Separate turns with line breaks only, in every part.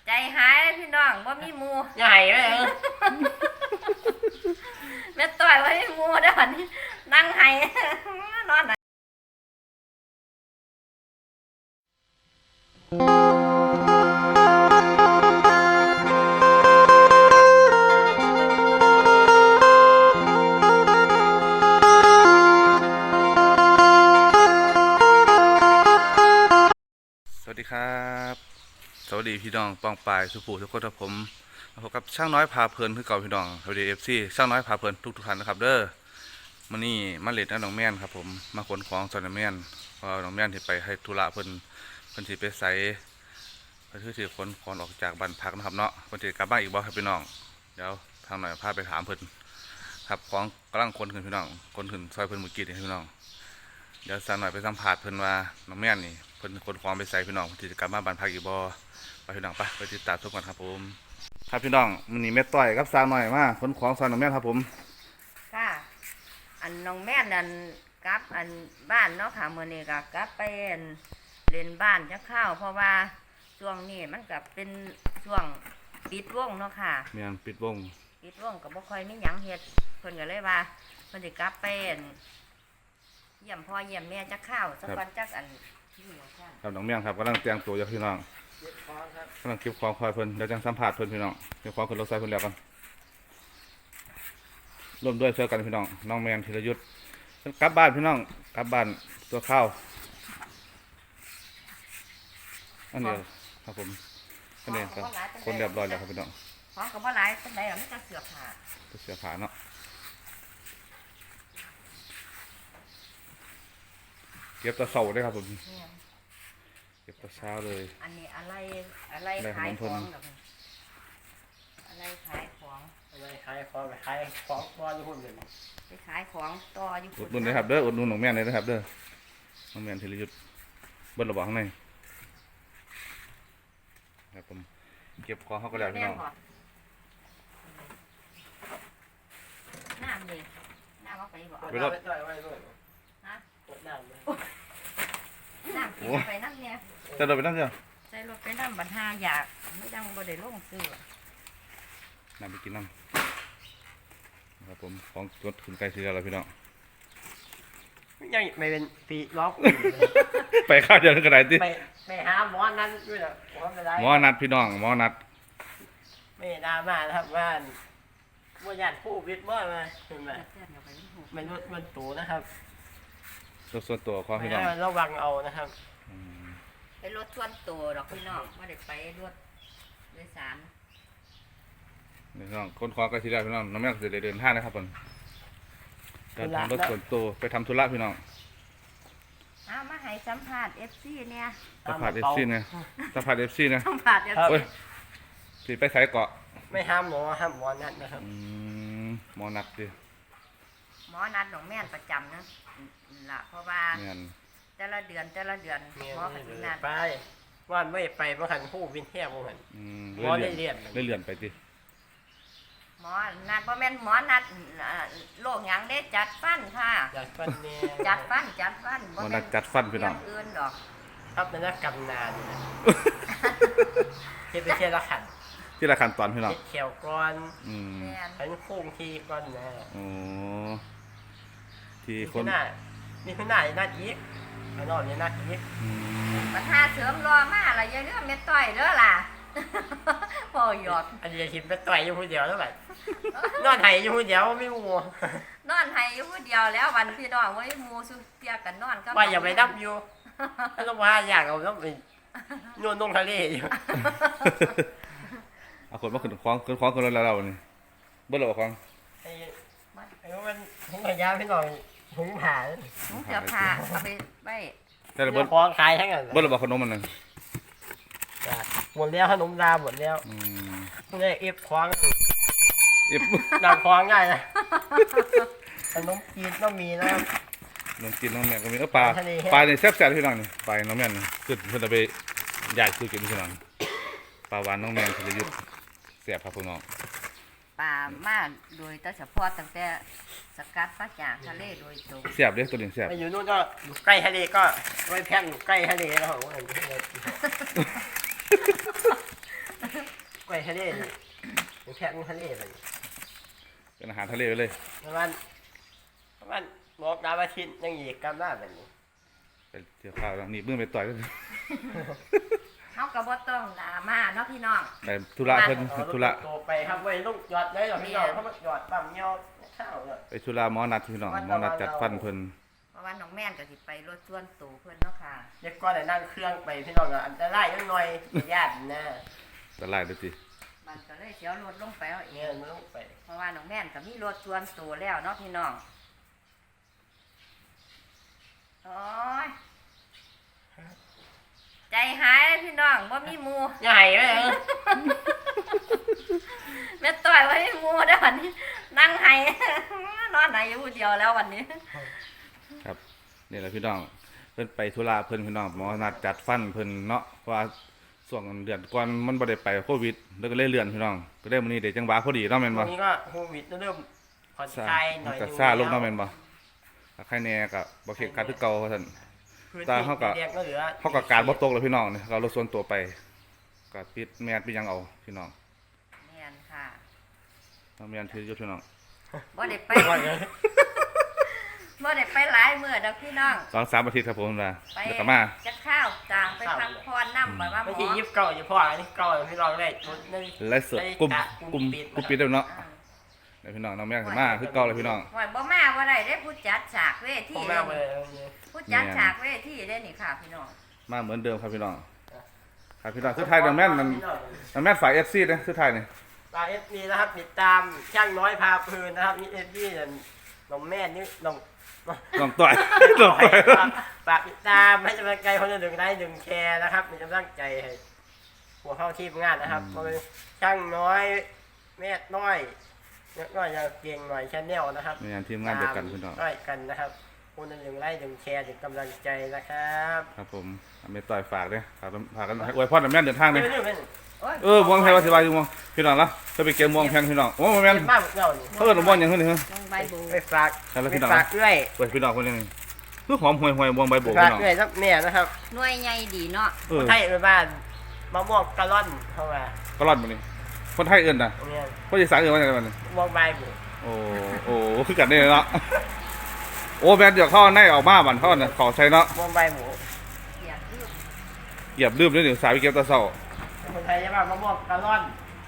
ใจหายพี่น้องว่ามีหมู
ใหญ่เลย
แม่ต่อยว่ามีหมูเด้อนี่นั่งไห้นอนไหน
สวัสดีครับสวัสดีพี่น้องปองปายสุภูทุกคนครับผมพบกับช่างน้อยพาเพลินคือเก่าพี่น้องสวัสดีFCช่างน้อยพาเพลินทุกท่านนะครับเด้อมันนี่มาเล็ดน้องแม่นครับผมมาขนของซอยน้องแม่นเพราะน้องแม่นที่ไปให้ธุระเพิ่นสิไปใส่เพิ่นถือขนของออกจากบ้านพักนะครับเนาะเพิ่นสิกลับบ้านอีกบ่ครับพี่น้องเดี๋ยวทางหน่อยพาไปถามเพิ่นครับของกำลังขนขึ้นพี่น้องขนขึ้นซอยเพิ่นเมื่อกี้นี่พี่น้องเดี๋ยวสั่งหน่อยไปสัมภาษณ์เพิ่นว่าน้องแม่นนี่เพิ่นขนของไปใส่พี่น้องที่จะกลับมาบ้านพักอีกบ่ไปพี่น้องไปติดตามชมกันครับผมครับพี่น้องมื้อนี้แม่ต้อยกับสาวน้อยมาขนของซอยน้องแม่นครับผม
ค่ะอันน้องแม่นั่นกลับอันบ้านเนาะค่ะมื้อนี้ก็กลับไปเล่นบ้านจักข้าวเพราะว่าช่วงนี้มันก็เป็นช่วงปิดวงเนาะค่ะ
แม่นปิดวง
ก็บ่ค่อยมีหยังเฮ็ดเพิ่นก็เลยว่าเพิ่นสิกลับไปเยี่ยมพ่อเยี่ยมแม่จักข้าวสักวันจักอันที่ว่าซั่น
ครับน้องแม่นครับกำลังแต่งตัวอยู่พี่น้องกำลังเก็บของคอยเพิ่นเดี๋ยวจังสัมภาษณ์เพิ่นพี่น้องเก็บของขึ้นรถไฟเพิ่นแล้วกันร่วมด้วยช่วยกันพี่น้องน้องแม่นธีรยุทธกลับบ้านพี่น้องกลับบ้านตัวข้าวอันนี้ครับผมอันนี้ครับคนเรียบร้อยแล้วครับพี่น้อง
ของก็บ่หลายปานใดหรอกมีแต่เสื้อผ้า
เสื้อผ้าเนาะเก็บตะเสาได้ครับผมเก็บตะเช้าเลย
อันนี้อะไรขายของอะไรขายของ
ขายของบอลหุ่นเลย
ไปขายของต่ออยู่
อุดหนุนเลยครับเด้ออุดหนุนน้องแม่นเลยนะครับเด้อน้องแม่นธีรยุทธเบิ้ลระวังข้างในครับผมเก็บของเขาก็แล้วพี่น้อง
น้ำนี่น้ำเอาไปบ่
ไปรถ
ฮะ
น้ำ
กินไปน้ำเนี่ย
จะรถไปนั่งเถอะ
ใส่รถไปน้ำบัดหาอยากไม่ดังบ่ได้ลงซื้อ
น้ำไปกินน้ำครับผมของรถขึ้นไกลซื้อแล้วพี่น้อง
ยังไม่เป็นปีล็อก
ไปข้าวเดียวกันไหนดิ
ไปหาหมอนั้นด้วยนะ
หมอนัดพี่น้องหมอนัด
ไม่ดราม่านะครับว่าญาติผู้วิทย์ว่ามาเห็นไหมมันตูนะครับ
รถส่วนตัวของพี่น้อง
ระวังเอานะครับ
ไปรถส่วนตัวดอกพี่น้องไม่ได้ไปรถโดยสาร
พี่น้องคนคอก็ทีแรกพี่น้องน้องแม่ก็จะเดินทางนะครับผมเดินทางรถส่วนตัวไปทำธุระพี่น้อง
เอามาให้สัมภาษณ์ FC เนี่ย
สัมภาษณ์ FC เนี่ยสัมภาษณ์ FC เนี่ย
สัมภาษณ์ FC
สิไปใส่เกาะ
ไม่ห้ามหมอนัดนะครับ
หมอนัดดิ
หมอนัดของแม่นประจำนะล่ะเพราะว่าแต่ละเดือนหมอปฏินัด
ไปว่าไม่ไปเมื่อหันผู้วินแทบเมื่อหันหมอได้เ
ลื่อนไปดิ
หมอนัดเพราะแม่นหมอนัดโรคหยังได้จัดฟันค่ะ
จัดฟันเนี่ย
จัดฟัน
หมอนัดจัดฟันพี่น้อง
อื่นดอก
ครับนั่นกำนานเที่เป็นละขัน
ที่ละขั้นตอนพี่น้อง
เขียวก้อนเป็นโค้งทีก้อนนะ
ที่คน
นี่คือหน้าหน้าอีกข้างนอกนี่หน้าอีก
ปัญหาเสริมรอมาอะไรเยอะๆเม็ดต้อยเด้อล่ะพอหยอด
อันนี้ทิมไปต่อยอยู่คนเดียวเท่าไหร่นอนไห้อยู่คนเดียวไม่มั
วนอนไห้อยู่คนเดียวแล้ววันพี่น้องว่ามูสุเตียกันนอนก็
ว่าอย่าไปดับอยู่ถ้าต้องว่าอยากเอาต้องไปนวดลงทะเลอยู่
เอาคนมาขึ้นคล้องคนเราเนี่ยเบิ้ลหรอคล้อง
ไอ้มันถุงขยะพี่น้องถุงผ้า
ถุงเสื้อผ้าเอาไปไว้
แต่เบิ้ล
คล้องขายทั้งนั้น
เบิ้ลหรอขนมมันนึง
หมดแล้วขนมดาหมดแล้วนี่เอฟคล้อง
เอฟ
นำคล้องง่ายนะขนมจีนต้องมีนะครับ
ขนมจีนน้องแม่ก็มีปลาเนี่ยแซ่บๆพี่น้องนี่ปลาน้องแม่นี่ขึ้นเพื่อนไปใหญ่คือกินพี่น้องปลาหวานน้องแม่ธีรยุทธเสียบครับพี่น้อง
ปลามาโดยแต่เฉพาะตั้งแต่สกัดมาจากทะเลโดยตรง
เสียบเด้ตัวนี้เสียบ
ไปอยู่นู่นก็อยู่ใกล้ทะเลก็ไว้แพงอยู่ใกล้ทะเลแล้วทะเลเลย
เป็นอาหารทะเลไปเลย
ประมาณบอกดาวอาทิตย์ยังอีกกำลังแบบนี้
ไปเที่ยวข้าวแล้วนี่มือไปต่อยกัน
เฮาก็บ่ต้องดราม่าเนาะพี่น้อง
ไปธุระเพิ่น
เอา
ธุระ
โตไปครับไว้ลูกหยอดได้หรอพี่น้องเขามาหยอดปั๊มเงี้ยวข้าวเนี่ย
ไปธุระหมอนัดพี่น้องหมอนัดจัดฟันเพิ่น
เพราะว่าน้องแม่นก็สิไปรถส่วนตัวเพิ่นเนาะค่ะ
เด็กก็ได้นั่งเครื่องไปพี่น้องอันตรายยังหน่อยญาตินะ
ตะไลเลยสิ
มันก็เลยเสียวรถลงไปเอาเอ
เนี่ย
ง
มันต้องไป
เพราะว่าน้องแม่นก็มีรถส่วนตัวแล้วเนาะพี่น้องโอ้ยใจหายเลยพี่น้องบ่มีหมู่
ใหญ่ไหม
แม่ต่อยบ่มีหมู่เด้อวันนี้นั่งไห้ นอนไหนอยู่ผู้เดียวแล้ววันนี้
ครับนี่แหละพี่น้องเพิ่นไปธุระเพิ่นพี่น้องหมอนัดจัดฟันเพิ่นเนาะเพราะว่าช่วงเดือนก่อนมันบ่ได้ไปโควิดแล้วก็เลยเลื่อนพี่น้องก็ได้มื้อนี้ได้จังหวะพอดีเนาะแม่นบ่
วันนี้ก็โควิดเริ่มผ่อนคลายหน่อย
ก็ซาลงเนาะแม่นบ่ถ้าใครแน่ก็บ่เข็ดกัดคือเก่าว่าซั่น
พื้น
ตา
ที่
เขาก็
เรียกก็เหลือ
เฮาก็การบ่ตกแล้วพี่น้องนี่ก็เอารถส่วนตัวไปก็ปิดแมสปิดหยังเอาพี่น้อง
แม่นค่ะ
ต้องแม่นถืออยู่พี่น้อง
บ่ได้ไป
ว่าอย่าง
บ่ได้ไปหลายมื้อดอกพี่น้อง
2-3อาทิตย์ครับผมนะ
ไป
แล้วก็มา
จะข้าวจางไปพักพรน้ำไปว่าหม
ไม่
อ
ใช่ยิบเก่าอยู่พ่ออันนี้เก่าพี่น้องได้ชุดใน
ไลฟ์สดกลุ่มปิดแล้วเนาะ
อ่า
เดี๋ยวพี่น้องน้องแม่ก็มาคือเก่าเลยพี่น้อง
หวยบ่มาบ่ได้ได้ผู้จัดฉากเวที
ผมแม่ไปเลย
ผู้จัดฉากเวทีได้นี่ค่ะพี่น้อง
มาเหมือนเดิมครับพี่น้องครับพี่น้องสุดท้ายน้องแม่นมันน้องแม่นฝ่าย FC นะสุดท้ายนี่
ตาเอฟซีนะครับติดตามช่างน้อยพาเพลินนะครับนี่เอฟซีน้องแม่นี่น้อง
น้องต่อยน้องต่อย
ฝากติดตามให้กำลังใจคนละ1 ไลค์ 1 แชร์นะครับมีกำลังใจให้หัวเข้าทีมงานนะครับเพราะเป็นช่างน้อยแม่น้อยน้อยจะเก่งหน่อยชาแนลนะครับ
มีงานทีมงานเดียวกันพี่น้อง
น้อยกันนะครับคนละ1 ไลค์ 1 แชร์ถึงกำลังใจนะครับ
ครับผมไม่ต่อยฝากเด้อฝากกันอวยพรน้องแม่นเดินทางเด้อ
ไม่
โอ้ย
ม่วงแพงว่าสิว่าอยู่ม่วงพี่น้องละจะไปเก็บม่วงแพงพี่น้องโอ้แม่น
เป็นบ้านเรานี่
เพิ่นม่วงหยังเพิ่นนี่ฮะ
น้องใบบู
ไปฝาก
แล้ว
ไป
พี่น้อง
ฝากเอื้อย
เปิดพี่น้องคนนึงคือหอมห่วยๆม่วงใบโบก
ฝา
พี่
ก
น้อง
เอื้อยสักแม่นะครับ
หน่วยใหญ่ดีเนาะ
เออ
ไทยไปบ้านมะม่วงกะล่อนเข้ามา
ก็รอดบ่นี่คนไทยเอิ้นน่ะ
เนี่ย
คนอีสานเอิ้นว่าจังได๋บัดนี้
มองใบบุ
โอ้คือกันได้เนาะโอ้แม่นเดี๋ยวเข้าในออกมาบัดเข้าน่ะขอใช้เนาะ
มองใบบุ
เสียคือ
เหยียบลืมเลยเดี๋ยวสายไปเก็บตะเช้า
คนไทยจะบ้านมะม่วงกะล่อน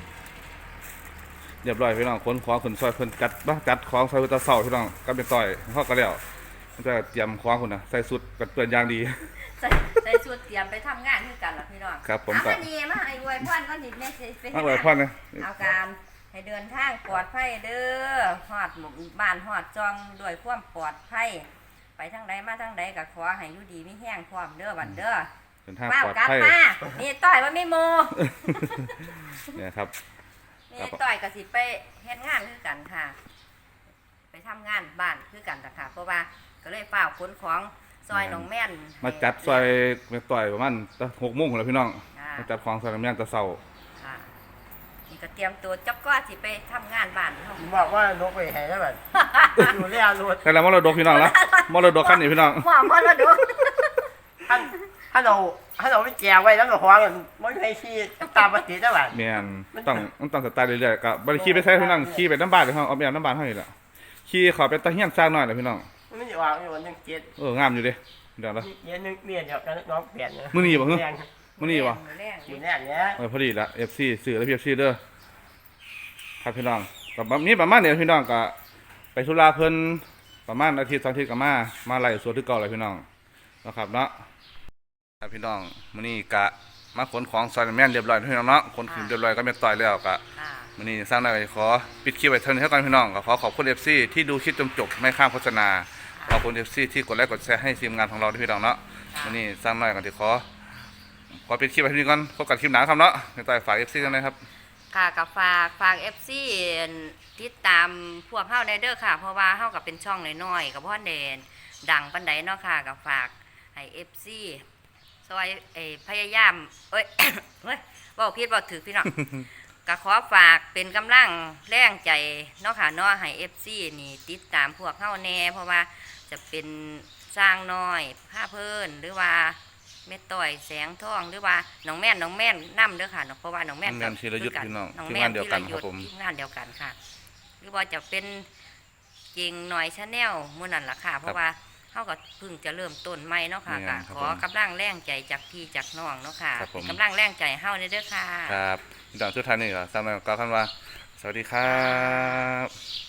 เรียบร้อยพี่น้องขนของขนซอยเพิ่นจัดของใส่ตะเช้าพี่น้องก็เป็นต่อยเฮาก็แล้วมันจะเตรียมของพุ่นน่ะใส่สุดกันเปื้อนอย่างดี
ใส่ชุดเตรียมไปทำงานคือกันล่ะพี่น้อง
ครับผมก็
เอามานี่มาให้อวยพรก่อนนิดแม่สิไป
มาอวยพรนะ
เอาการให้เดินทางปลอดภัยเด้อฮอดหมู่บ้านฮอดจองด้วยความปลอดภัยไปทางใดมาทางใดก็ขอให้อยู่ดีมีแห้งพร้อมเด้อบัดเด้อ
เดินทาง
ว้าว
ปลอด
กลับ
ภัย
มานี่ต่อยว่าไม่โม
เนี่ยครับ
นี่ต่อยก็สิไปเฮ็ดงานคือกันค่ะ ไปทำงานบ้านคือกันนะคะเพราะว่าก็เลยเฝ้าขนของซอยหนองแม่น
มาจัดซอยแม่ต่อยประมาณ6 โมงแล้วพี่น้อง
ค่ะ
มาจัดของซอยน้ำแม่นตะเช้า
ค่ะนี่ก็เตรียมตัวจ๊อบก็สิไปทำงานบ้านเฮา
ผมบอกว่านกไปแห่แล้วแบบอยู่เรียรถ
ใครแล้วมรดกพี่น้องละมรดกคันนี้พี่น้อง
หม้อมรดก
ถ้าเราไม่แจวไว้แล้วก็ห้องมันไม่ให้ขี้ตามปกติได้แบบ
แม่นมันต้องสไตล์เรื่อยๆก็บ่ได้ขี่ไปใช้พี่น้องขี่ไปน้ำบ้านเลยครับเอาไปน้ำบ้านเฮานี่แหละขี่ขอไปตะเฮียนสร้างหน่อยเลยพี่น้อง
มันไม่ได้วางอยู่วันนึงเจ็ด
งามอยู่เด้เดี๋ยวละ
เย็นนึงเมียนเดี๋ยวน้องเปลี่ยนนะ
มื้อนี้บ่
แร
ฮึ
ง
มื้อนี้บ่
แรง
อยู่แน่เนี้ย
พอดีละ FC ซื้อแล้วพี่ FC เด้อครับพี่น้องก็มีประมาณนี้พี่น้องก็ไปธุระเพิ่นประมาณอาทิตย์2อาทิตย์ก็มาไล่สวนที่เก่าเลยพี่น้องนะครับเนาะครับพี่น้องมื้อนี้ก็มาขนของซอยแม่นเรียบร้อยพี่น้องเนาะขนขึ้นเรียบร้อยก็แม่นต่อยแล้วก็
ค่ะ
วันนี้สร้างได้ขอปิดคลิปไว้เท่านี้เท่ากันพี่น้องก็ขอบคุณ FC ที่ดูคลิปจนจบไม่ข้ามโฆษณาขอบคุณ FC ที่กดไลค์กดแชร์ให้ทีมงานของเราด้วยพี่น้องเนาะวันนี้สร้างน้อยกันที่ขอปิดคลิปไว้ที่นี่ก่อนพบกันคลิปหน้าครับเนาะในต่อยฝาก FC กันเลยครับ
ค่ะกับฝาก FC ติดตามพวกเฮาในเด้อค่ะ เพราะว่าเฮาก็เป็นช่องน้อยๆกับพ่อเด่นดังปานใดเนาะค่ะกับฝากให้ FC ซอยพยายามเอ้ย เฮ้ยเว้าผิดเว้าถูกพี่น้อง ก็ขอฝากเป็นกำลังแรงใจเนาะค่ะเนาะให้ FC นี่ติดตามพวกเฮาแน่เพราะว่าจะเป็นสร้างน้อยผ้าเพิ่นหรือว่าแม่ต้อยแสงทองหรือว่าน้องแม่นนำเด้อค่ะเพราะว่าน้องแม่น
น้องแม่นธีรยุทธ
คือ
พี่น้อง
น้อง
ทีม
แม่
งาน นเดียวกัน
ธี
ครับผม
ทีมงานเดียวกันค่ะ หรือว่าจะเป็นเก่งหน่อยชาแนลมื้อนั้นล่ะค่ะ เพราะว่าเฮาก็เพิ่งจะเริ่มต้นใหม่เนาะค่ะ
แม่นครับ
ขอกำลังแรงใจจากพี่จากน้องเนาะค่ะ
ครับผม
เป็นกำลังแรงใจเฮาเด้อค่ะ
ครับพี่น้องสุดท้ายนี่ก็สำหรับก็คำว่า สวัสดีครับ